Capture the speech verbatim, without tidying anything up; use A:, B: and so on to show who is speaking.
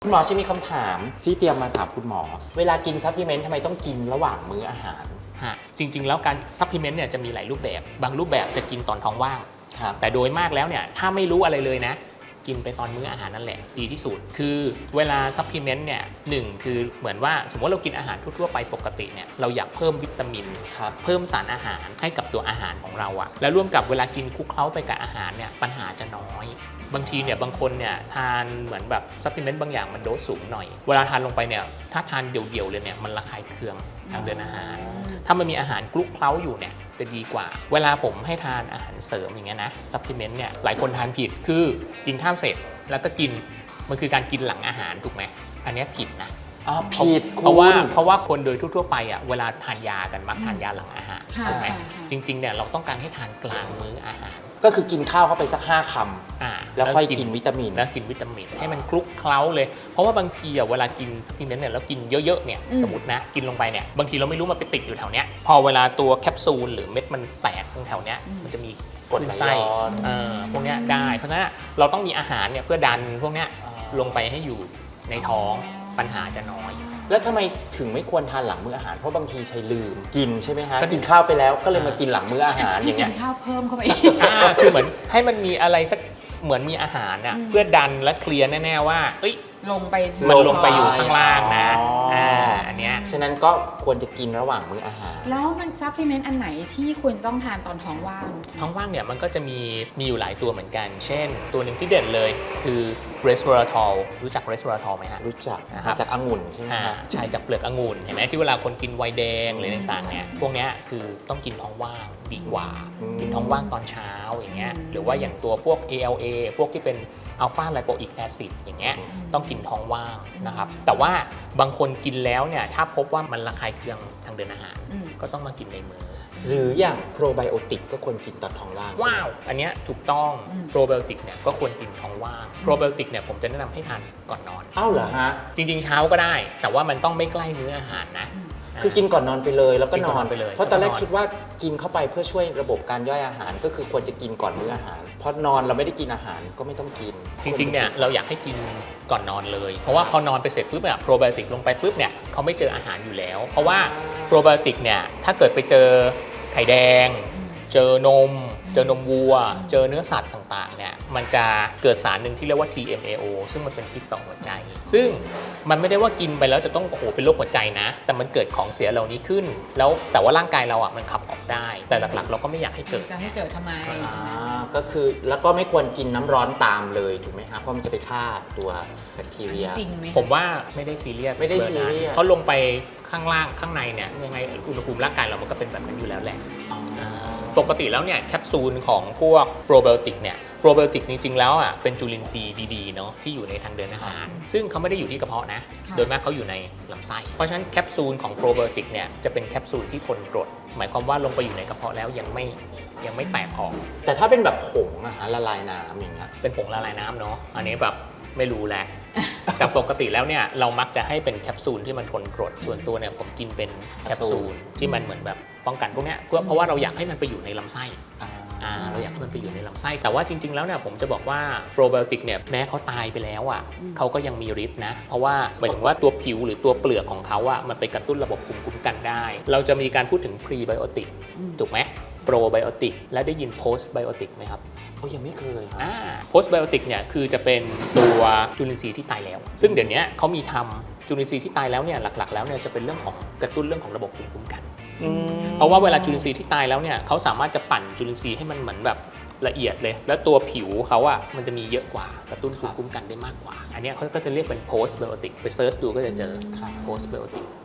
A: คุณหมอจะมีคำถามที่เตรียมมาถามคุณหมอเวลากินซัพพลีเมนต์ทำไมต้องกินระหว่างมื้ออาหาร
B: ฮะจริงๆแล้วการซัพพลีเมนต์เนี่ยจะมีหลายรูปแบบบางรูปแบบจะกินตอนท้องว่างแต่โดยมากแล้วเนี่ยถ้าไม่รู้อะไรเลยนะกินไปตอนมื้ออาหารนั่นแหละดีที่สุดคือเวลาซัพพลีเมนต์เนี่ยหนึ่งคือเหมือนว่าสมมติเรากินอาหารทั่วๆไปปกติเนี่ยเราอยากเพิ่มวิตามินเพิ่มสารอาหารให้กับตัวอาหารของเราอะแล้วร่วมกับเวลากินคลุกเคล้าไปกับอาหารเนี่ยปัญหาจะน้อยบางทีเนี่ยบางคนเนี่ยทานเหมือนแบบซัพพลีเมนต์บางอย่างมันโดสสูงหน่อยเวลาทานลงไปเนี่ยถ้าทานเดี่ยวๆเลยเนี่ยมันระคายเคืองทางเดินอาหารถ้ามันมีอาหารคลุกเคล้าอยู่เนี่ยจะดีกว่าเวลาผมให้ทานอาหารเสริมอย่างเงี้ยนะซัพพลีเมนต์เนี่ยหลายคนทานผิดคือกินข้าวเสร็จแล้วก็กินมันคือการกินหลังอาหารถูกไหมอันนี้ผิดนะ
A: อ๋อผิด
B: เพราะว่าเพราะว่าคนโดยทั่วๆไปอ่ะเวลาทานยากันมักทานยาหลังอาหารถูกไหมจริงๆเนี่ยเราต้องการให้ทานกลางมื้ออาหาร
A: ก็คือกินข้าวเข้าไปสักห้าคำแล้วค่อยกินวิตามิน
B: แล้วกินวิตามินให้มันคลุกเคล้าเลยเพราะว่าบางทีอ่ะเวลากินซัพพลีเมนต์เนี่ยแล้วกินเยอะๆเนี่ยสมมตินะกินลงไปเนี่ยบางทีเราไม่รู้มันไปติดอยู่แถวเนี้ยพอเวลาตัวแคปซูลหรือเม็ดมันแตกตรงแถวเนี้ยมันจะมี
A: กรดไหลย้อน
B: พวกนี้ได้เพราะฉะนั้นเราต้องมีอาหารเนี่ยเพื่อดันพวกนี้ลงไปให้อยู่ในท้องปัญหาจะน้อย
A: แล้วทำไมถึงไม่ควรทานหลังมื้ออาหารเพราะบางทีใช้ลืมกินใช่ไหมฮะกินข้าวไปแล้วก็เลยมากินหลังมื้ออาหารอย่างเงี้ย
C: กินข้าวเพิ่มเข้าไป
B: คือเหมือนให้มันมีอะไรสักเหมือนมีอาหารน่ะเพื่อดันและเคลียร์แน่ๆว่าเอ้ย
C: ลงไป
B: มันลงไปอยู่ข้างล่างนะอันเนี้ย
A: ฉะนั้นก็ควรจะกินระหว่างมื้ออาหาร
C: แล้วมันซัพพลีเมนต์อันไหนที่ควรจะต้องทานตอนท้องว่าง
B: ท้องว่างเนี่ยมันก็จะมีมีอยู่หลายตัวเหมือนกันเช่นตัวหนึ่งที่เด่นเลยคือ resveratrol รู้จัก resveratrol ไหมฮะ
A: รู้จักจากองุ่นใช่ไหมฮะ
B: ใช่จากเปลือกองุ่นเห็นไหมที่เวลาคนกินไวน์แดงหรือต่างๆเนี่ยพวกนี้คือต้องกินท้องว่างดีกว่ากินท้องว่างตอนเช้าอย่างเงี้ยหรือว่าอย่างตัวพวก เอ แอล เอ พวกที่เป็นอัลฟาไลโปอิกแอซิดอย่างเงี้ยต้องกินท้องว่างนะครับแต่ว่าบางคนกินแล้วเนี่ยถ้าพบว่ามันระคายเคืองทางเดินอาหารก็ต้องมากินในมื้อ
A: หรืออย่างโปรไบโอติกก็ควรกินตอนท้องว่าง
B: ว้าวอันเนี้ยถูกต้องโปรไบโอติกเนี่ยก็ควรกินท้องว่างโปรไบโอติกเนี่ยผมจะแนะนำให้ทานก่อนนอน
A: อ้าวเหรอฮะ
B: จริงๆเช้าก็ได้แต่ว่ามันต้องไม่ใกล้มื้ออาหารนะ
A: คือกินก่อนนอนไปเลยแล้วก็นอน
B: ไปเลย
A: เพราะตอนแรกคิดว่ากินเข้าไปเพื่อช่วยระบบการย่อยอาหารก็คือควรจะกินก่อนมื้ออาหารเพราะนอนเราไม่ได้กินอาหารก็ไม่ต้องกิน
B: จริงๆเนี่ยเราอยากให้กินก่อนนอนเลยเพราะว่าพอนอนไปเสร็จปุ๊บเนี่ยโปรไบโอติกลงไปปุ๊บเนี่ยเขาไม่เจออาหารอยู่แล้วเพราะว่าโปรไบโอติกเนี่ยถ้าเกิดไปเจอไข่แดงเจอนมเจอนมวัวเจอเนื้อสัตว์ต่างๆเนี่ยมันจะเกิดสารหนึ่งที่เรียกว่า ที เอ็ม เอ โอ ซึ่งมันเป็นพิษต่อหัวใจซึ่งมันไม่ได้ว่ากินไปแล้วจะต้องโอ้โหเป็นโรคหัวใจนะแต่มันเกิดของเสียเหล่านี้ขึ้นแล้วแต่ว่าร่างกายเราอ่ะมันขับออกได้แต่หลักๆเราก็ไม่อยากให้เกิด
C: จะให้เกิดทำไม
A: ก็คือแล้วก็ไม่ควรกินน้ำร้อนตามเลยถูกไหมครับเพราะมันจะไปฆ่าตัวแบคทีเรีย
C: จริงไหม
B: ผมว่าไม่ได้ซีเรียส
A: ไม่ได้ซีเรียส
B: เพราะลงไปข้างล่างข้างในเนี่ยยังไงอุณหภูมิร่างกายเรามันก็เป็นแบบนั้นอยู่แล้วแหละปกติแล้วเนี่ยแคปซูลของพวกโปรไบโอติกเนี่ยโปรไบโอติกจริงๆแล้วอ่ะเป็นจุลินทรีย์ดีๆเนาะที่อยู่ในทางเดินอาหารซึ่งเขาไม่ได้อยู่ที่กระเพาะนะโดยมากเขาอยู่ในลำไส้เพราะฉะนั้นแคปซูลของโปรไบโอติกเนี่ยจะเป็นแคปซูลที่ทนกรดหมายความว่าลงไปอยู่ในกระเพาะแล้วยังไม่ยังไม่แตกออก
A: แต่ถ้าเป็นแบบผงอะฮะละลายน้ำอย่างเงี้ย
B: เป็นผงละลายน้ำเนาะอันนี้แบบไม่รู้แหละแต่ปกติแล้วเนี่ยเรามักจะให้เป็นแคปซูลที่มันทนกรดส่วนตัวเนี่ยผมกินเป็นแคปซูลที่มันเหมือนแบบป้องกันพวกนี้เพื่อเพราะว่าเราอยากให้มันไปอยู่ในลำไส้เราอยากให้มันไปอยู่ในลำไส้แต่ว่าจริงๆแล้วเนี่ยผมจะบอกว่าโปรไบโอติกเนี่ยแม้เขาตายไปแล้วอ่ะเขาก็ยังมีฤทธิ์นะเพราะว่าหมายถึงว่าตัวผิวหรือตัวเปลือกของเขาอ่ะมันไปกระตุ้นระบบภูมิคุ้มกันได้เราจะมีการพูดถึงพรีไบโอติกถูกไหมโปรไบโอติกและได้ยินโพสต์ไบโอติกไหมครับ
A: เขายังไม่เคยครับ
B: โพสต์ไบโอติกเนี่ยคือจะเป็นตัวจุลินทรีย์ที่ตายแล้วซึ่งเดี๋ยวนี้เขามีทำจุลินทรีย์ที่ตายแล้วเนี่ยหลักๆแล้วเนี่ยจะเป็นเรื่องของกระตุ้นเรื่องของระบบภูมิคุ้มกันเพราะว่าเวลาจุลินทรีย์ที่ตายแล้วเนี่ยเขาสามารถจะปั่นจุลินทรีย์ให้มันเหมือนแบบละเอียดเลยแล้วตัวผิวเขาอ่ะมันจะมีเยอะกว่ากระตุ้นภูมิคุ้มกันได้มากกว่าอันนี้เขาก็จะเรียกเป็นโพสต์ไบโอติกไปเซิร์ชดูก็จะเจอโพสต์ไบโอติก